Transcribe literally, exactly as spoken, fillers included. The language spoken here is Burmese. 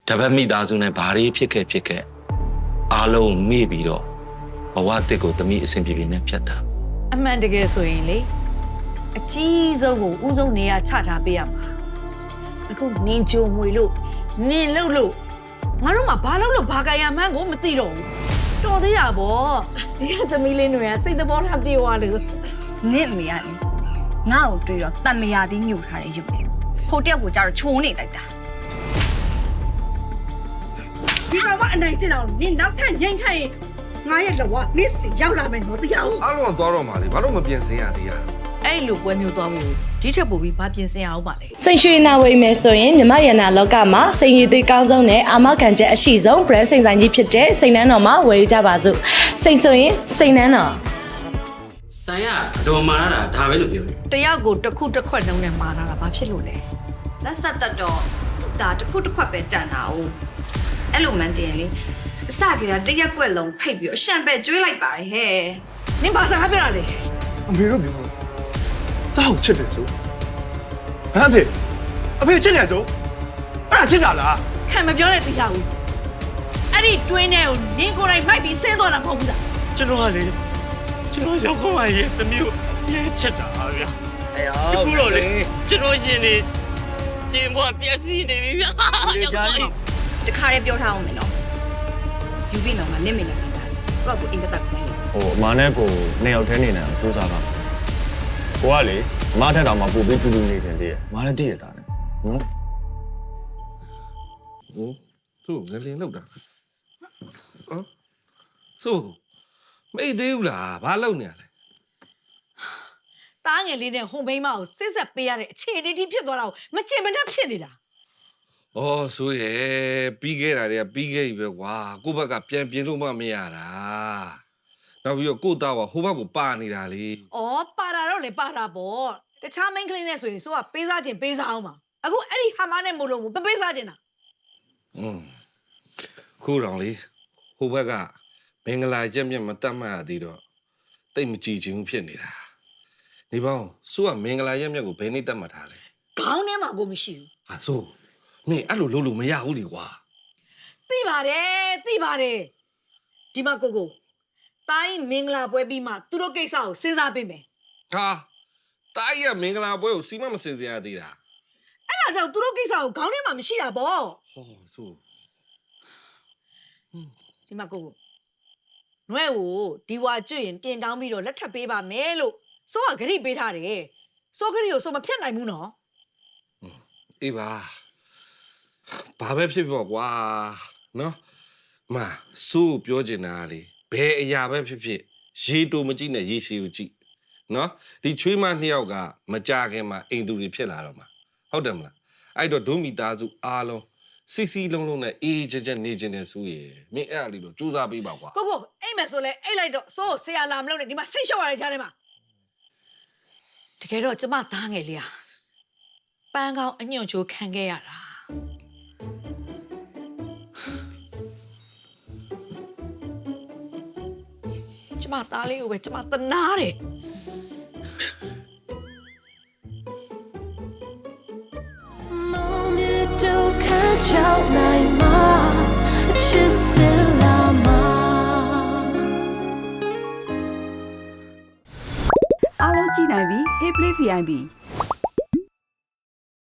တပတ်မိသားစုနဲ့ဘာတွေဖြစ်ခဲ့ဖြစ်ခဲ့အားလုံးမေ့ပြီးတော့ဘဝတစ်ကိုတမိအဆင်ပြေပြေနဲ့ဖြတ်တာအမှန်တကယ်ဆိုရင်လေအကြီးဆုံးကိုဦးဆုံးနေရာချထားပေးရမှာအခုနင်ကြုံမွေလို့နင်လှုပ်လို့ငါတို့မှဘာလုပ်လို့ဘာကြရမှန်းကိုမသိတော့ဘူးတော်သေးတာဗောဒီကသမီးလေးတွေကစိတ်သဘောထားပြေသွားလို့နင့်မေရလေငါ့ကိုတွေ့တော့တမယာသည်ညှို့ထားတဲ့ရုပ်လေဖိုတက်ကိုကြတော့ချိုးနေလိုက်တာဒီကောင်ကအနိုင်ကျင်အောင်နင်နောက်ထပ်ငိမ့်ခိုင်းငါရဲ့လောကနစ်စီရောက်လာမယ်နော်တရားဦးအားလုံးသွားတော့မှလေဘာလို့မပြင်ဆင်ရသေးရအဲ့လိုပွဲမျိုးသွားဖို့ဒီထက်ပိုပြီးဘာပြင်ဆင်အောင်ပါလဲစိန်ရွှေနာဝိမယ်ဆိုရင်မြမရနာလောကမှာစိန်ရည်သေးကောင်းဆုံးနဲ့အာမခံချက်အရှိဆုံး brand စိန်ဆိုင်ကြီးဖြစ်တဲ့စိန်နှန်းတော်မှာဝယ်ကြပါစို့စိန်ဆိုရင်စိန်နှန်းတော်ဆိုင်ကအတော်မာရတာဒါပဲလို့ပြောတယ်တယောက်ကိုတစ်ခုတစ်ခွက်နှုံးနဲ့မာနာတာဘာဖြစ်လို့လဲလက်ဆက်တက်တော့သူ့ဒါတစ်ခုတစ်ခွက်ပဲတန်တာ哦အဲ့လိုမှန်တယ်လေအစကတည်းကတရက်ကွက်လုံးဖိတ်ပြီးအရှံပဲကျွေးလိုက်ပါတယ်ဟဲ့နင်ဘာစကားပြောတာလဲအမေတို့ပြောတော့တောက်ချစ်တယ်ဆိုဟမ်အဖေအဖေချစ်တယ်ဆိုအဲ့ဒါချစ်တာလားခံမပြောနဲ့တရားဦးအဲ့ဒီတွင်းထဲကိုနင်ကိုယ်တိုင်မိုက်ပြီးဆင်းသွားတာမဟုတ်ဘူးလားကျွန်တော်ကလေကျွန်တော်ရောက်ခွင့်ရဲ့တမျိုးရေးချစ်တာဗျာအေးဟုတ်ဘူးတော့လေကျွန်တော်ရှင်နေကျင်းဘွားပြက်စီနေပြီဗျာတခါလေးပြောထားအောင်မယ်နော်ယူပြီးတော့ငါနင့်မိနေတယ်ကိုကကိုအင်တာတက်ပြန်လေဟိုအမနဲ့ကိုနှစ်ယောက်တည်းနေနေအောင်စူးစမ်းပါကိုကလေအမထက်တော့မှပို့ပြီးတူတူနေချင်သေးတယ်အမလည်းတည့်ရတာနဲ့နော်ဟိုသူ့ငလင်လောက်တာဟမ်ဆိုမိတ်သေးဘူးလားဘာလုပ်နေရလဲတားငယ်လေးနဲ့ဟွန်ဘိန်းမကိုစစ်ဆက်ပေးရတဲ့အခြေအနေတိဖြစ်သွားတာကိုမချင်မနှက်ဖြစ်နေတာအော်ဆိုရဲပြီးခဲ့တာတွေကပြီးခဲ့ပြီပဲကွာကိုယ့်ဘက်ကပြန်ပြင်လို့မှမရတာနောက်ပြီးတော့ကိုယ့်သားကဟိုဘက်ကိုပါနေတာလေဩပါတာတော့လေပါတာပေါ့တခြားမိန်းကလေးနဲ့ဆိုရင်ဆိုကပေးစားခြင်းပေးစားအောင်ပါအခုအဲ့ဒီဟာမနဲ့မို့လို့မပေးစားခြင်းတာอืมခုတောင်လေဟိုဘက်ကမင်္ဂလာချက်မြတ်မတတ်မှတ်ရသေးတော့တိတ်မကြည်ချင်ဘူးဖြစ်နေတာဒီပေါင်းဆိုကမင်္ဂလာရက်မြတ်ကိုဘယ်နေ့တတ်မှတ်ထားလဲခေါင်းထဲမှာကိုမရှိဘူးဟာဆိုမင်းအဲ့လိုလုပ်လို့မရဘူးလေကွာသိပါတယ်သိပါတယ်ဒီမှာကိုကိုတိုင်းမင်္ဂလာပွဲပြီးမှသူတို့ကိစ္စကိုစဉ်းစားပေးမယ်ဟာတိုင်းရမင်္ဂလာပွဲကိုစီမမစင်စင်ရသေးတာအဲ့ဒါကြောင့်သူတို့ကိစ္စကိုခေါင်းထဲမှာမရှိတာပေါ့ဟောဆိုဒီမှာကိုကိုနွဲကိုဒီဝါကျွတ်ရင်တင်တောင်းပြီးတော့လက်ထပ်ပေးပါမယ်လို့စိုးကဂရိပေးထားတယ်စိုးဂရိကိုစိုးမဖြတ်နိုင်ဘူးနော်အေးပါဘာပဲဖြစ်ဖြစ်ကွာနော်မစိုးပြောချင်တာလေဘယ်အရာပဲဖြစ်ဖြစ်ရေတူမကြည့်နဲ့ရေရှည်ကိုကြည့်နော်ဒီချွေးမနှစ်ယောက်ကမကြခင်မှာအိမ်သူတွေဖြစ်လာတော့မှာဟုတ်တယ်မလားအဲ့တော့ဒုမိသားစုအားလုံးစီစီလုံးလုံးနဲ့အေးကြကြနေခြင်းနဲ့ဆိုရယ်မင်းအဲ့အလေးတော့စူးစမ်းပေးပါကွာကိုကိုအိမ်မယ်ဆိုလဲအိတ်လိုက်တော့စိုးဆရာလာမလို့နဲ့ဒီမှာဆိတ်လျှော့ရတဲ့ကြားထဲမှာတကယ်တော့ကျမသားငယ်လေးอ่ะပန်းကောင်းအညွန့်ချိုးခံခဲ့ရတာကျမသားလေးကိုပဲကျမတနာတယ်အားလုံးကြည့်နိုင်ပြီ Hey Play ဗီ အိုင် ပီ